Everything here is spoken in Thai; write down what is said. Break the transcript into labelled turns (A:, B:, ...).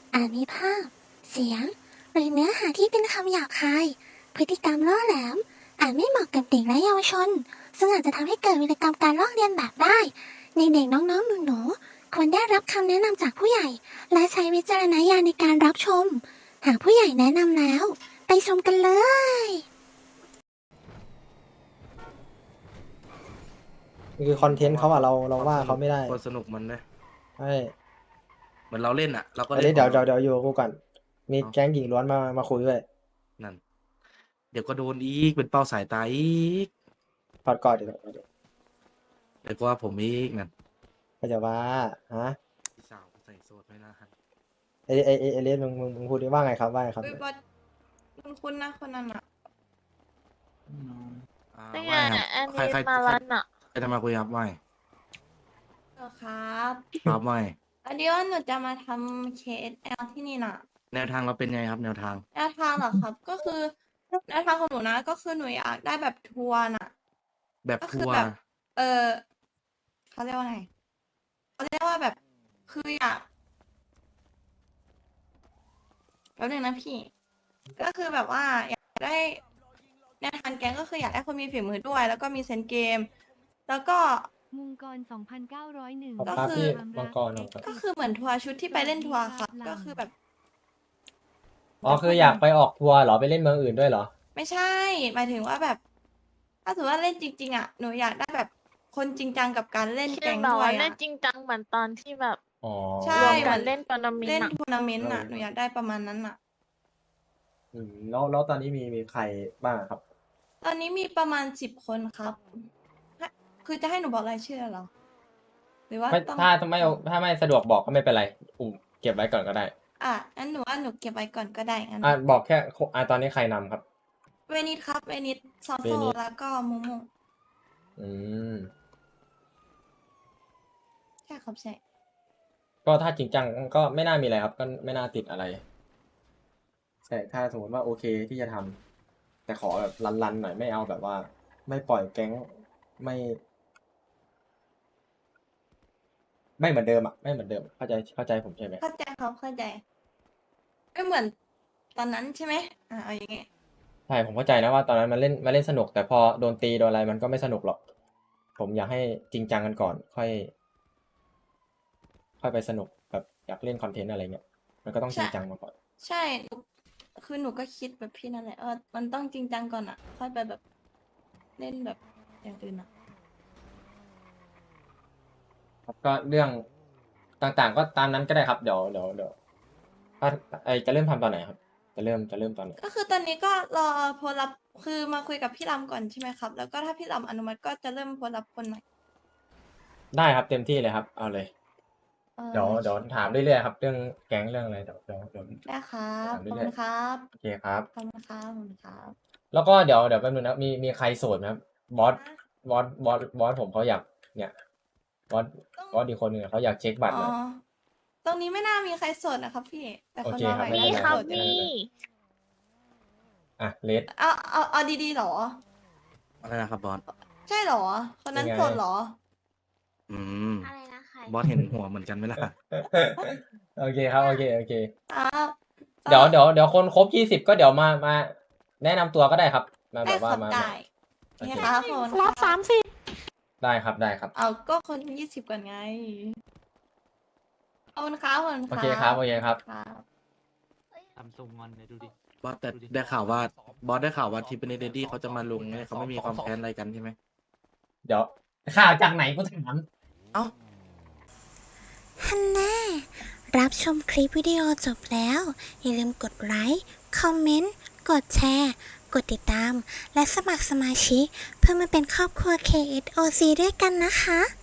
A: อาจมีภาพ เสียง หรือเนื้อหาที่เป็นคำหยาบคาย พฤติกรรมล่อแหลม อาจไม่เหมาะกับเด็กและเยาวชน ซึ่งอาจจะทำให้เกิดวิกรรมการลอกเลียนแบบได้ ในเด็กน้องๆหนูๆควรได้รับคำแนะนำจากผู้ใหญ่ และใช้วิจารณญาณในการรับชม หากผู้ใหญ่แนะนำแล้ว ไปชมกันเลย
B: คือคอนเทนต์เขาอะเราว่าเขาไม่ได้
C: คนสนุกมันนะ
B: ใช่
C: เหมือนเราเล่นอ่ะ เราก็
B: อัน
C: เล่
B: นี้
C: น
B: เดี๋ยว
C: ของรา
B: อยู่กับกูก่อนมีแก๊งหญิงล้วนมาคุยด้วย
C: นั่น เดี๋ยวก็โดนอีกเป็นเป้าสายตาอีก
B: ถอดก่อนเดี๋ยว
C: เดี๋ยวก็ว่าผมอีกนั่น
B: ก็จะว่าฮะ
C: พี่สาวใส่โซดไม่น่าให้
B: เอเลสมึงพูดได้ว่าไงครับว่าไงครับ
D: เฮ้ยบอสคุณนะคนนั้นอ่ะ
E: นี่ไง
C: ว่าค
E: เนี่
C: รั
E: ยอัน
C: ใคร
E: นี้
C: ใคร
E: มาลันอ่ะ
C: ใครจะมาคุยครับว่า
D: ครับ
C: ครับว่า
D: อันนี้ว่าหนูจะมาทำ KSL ที่นี่น่ะ
C: แนวทางเราเป็นไงครับ แนวทาง
D: แนวทางเหรอครับ ก็คือแนวทางของหนูนะ ก็คือหนูอยากได้แบบทัวร์น่ะ
C: แบบ
D: ก็
C: ทั
D: คือ
C: วร์
D: แบบ เขาเรียกว่าไงเขาเรียกว่าแบบคืออยากแป๊บนึงนะพี่ ก็คือแบบว่าอยากได้แนวทางแก๊งก็คืออยากได้คนมีฝีมือด้วย แล้วก็มีเซนส์เกม แล้วก็
F: มุงกร 2,901
B: ขอบ
D: ก็
B: ครับ
D: คือ
B: พี่มังกรครับ
D: ก็คือเหมือนทัวร์ชุดที่ไปเล่นทัวร์ครับ ก็คือแบบ
B: อ๋อคืออยากไปออกทัวร์เหรอไปเล่นเมืองอื่นด้วยเหรอ
D: ไม่ใช่ หมายถึงว่าแบบ ถ้าสมมติว่าเล่นจริงๆอ่ะ หนูอยากได้แบบคนจริงจังกับการเล่น
E: คือ
D: แก๊ง
E: แบบ
D: ด้ว
E: ว่าย เล่
D: อ่ะ
E: นจริงจังเหมือนตอนที่แบบ
B: อ๋อ
D: ใช่
E: รวม
D: เหมื
E: กั
D: อน น
E: เล่นทัวร์นาเมน
D: เล่น
E: ต์อะ
D: ทัวร์นาเมนต์อ่ะ หนูอยากได้ประมาณนั้นอ่ะ
B: แล้วตอนนี้มีใครบ้างครับ
D: ตอนนี้มีประมาณ10 คนครับ คือจะให้หนูบอกรายชื่อเหรอ หรือว่า
G: ไม่
D: ต้อง
G: ถ้าไม่สะดวกบอกก็ไม่เป็นไรเก็บไว้ก่อนก็ได้
D: อ่ะงั้นหนูว่าหนูเก็บไว้ก่อนก็ได้งั้น
G: บอกแค่ตอนนี้ใครนำครับ
D: เวนิสครับ เวนิสซอ
G: เว
D: โซ
G: นิส
D: แล้วก็มูมู
G: อืม
D: ใช่ครับใช่
G: ก็ถ้าจริงจังก็ไม่น่ามีอะไรครับ ก็ไม่น่าติดอะไรใช่ถ้าสมมติว่าโอเคที่จะทำแต่ขอแบบรันๆหน่อยไม่เอาแบบว่า ไม่ปล่อยแก๊งไม่เหมือนเดิมอ่ะไม่เหมือนเดิมเข้าใจผมใช่ไหม
D: เข้าใจครับเข้าใจไม่เหมือนตอนนั้นใช่ไหมเอาอย่างเงี้ย
G: ใช่ผมเข้าใจนะว่าตอนนั้นมันเล่นสนุกแต่พอโดนตีโดนอะไรมันก็ไม่สนุกหรอก ผมอยากให้จริงจังกันก่อน ค่อยไปสนุกแบบอยากเล่นคอนเทนต์อะไรเงี้ยมันก็ต้องจริงจังมาก่อน
D: ใช่คือหนูก็คิดแบบพี่นั่นแหละมันต้องจริงจังก่อนอ่ะ ค่อยไปแบบเล่นแบบอย่างอื่นอ่ะ
G: ครับก็เรื่องต่างๆ ก็ตามนั้นก็ได้ครับเดี๋ยวถ้าจะเริ่มทำตอนไหนครับ จะเริ่มตอนไหน
D: ก็คือตอนนี้ก็รอโพลรับคือมาคุยกับพี่ลำก่อนใช่ไหมครับ แล้วก็ถ้าพี่ลำอนุมัติก็จะเริ่มโพลรับคนใหม่
G: ได้ครับเต็มที่เลยครับเอาเลย เดี๋ยวถามเรื่อยๆครับ เรื่องแก๊งเรื่องอะไรเดี๋ยว
D: ได้ครับขอบ
G: ถามเรื่
D: คุ
G: อย
D: ณครับ
G: โอเคครับ
D: ขอบคุณครับขอบคุณครับ
G: แล้วก็เดี๋ยวแป๊บนึงนะมีใครโสดไหมครับบอสผมเขาอยากเนี่ยบอสอีกคนหนึ่งเขาอยากเช็คบัตรหน่อย
D: ตรงนี้ไม่น่ามีใครโสดนะครับพี่ แต่คน
G: โอเค
D: มา
G: ครับ
D: ใหม่
G: ไม่
E: มี
G: เป็นไร
E: ครับ
D: โสด
E: มี
G: อ่ะเลส
D: เอาดีๆเหรอ
C: อะไรนะครับบอส
D: ใช่เหรอ คนนั้น
G: ยังไง
D: โสดเหรอ
C: อืม
E: อะไรนะใคร
C: บอสเห็นหัวเหมือนกันไหมล่ะ
G: โอเคครับโอเค
D: อ้าว
G: เดี๋ยวคนครบ20ก็เดี๋ยวมาแนะนำตัวก็ได้ครับมาแบ
D: ได้
G: บว่า
D: ครับ
G: มา
D: ได้
G: โอ
D: โอเค
G: เค
D: ครับผม
E: รับ
G: ได้ครับ
D: เอาก็คน20ก่อนไงขอบคุณครับขอบคุณ
G: โอเคครับครับ
D: ครับ
H: ทำทรงงอนเลยดูดิ
C: บอสแต่ได้ข่าวว่าบอสได้ข่าวว่าทีเป็นเดดี้เขาจะมาลงไงเขาไม่มีความแค้นอะไรกันใช่ไหม
G: เดี๋ยวข่าวจากไหนกูถาม
C: เอ้า
A: ฮันน่ารับชมคลิปวิดีโอจบแล้ว อย่าลืมกดไลค์ คอมเมนต์ กดแชร์ กดติดตาม และสมัครสมาชิกเพื่อมาเป็นครอบครัว KSOC ด้วยกันนะคะ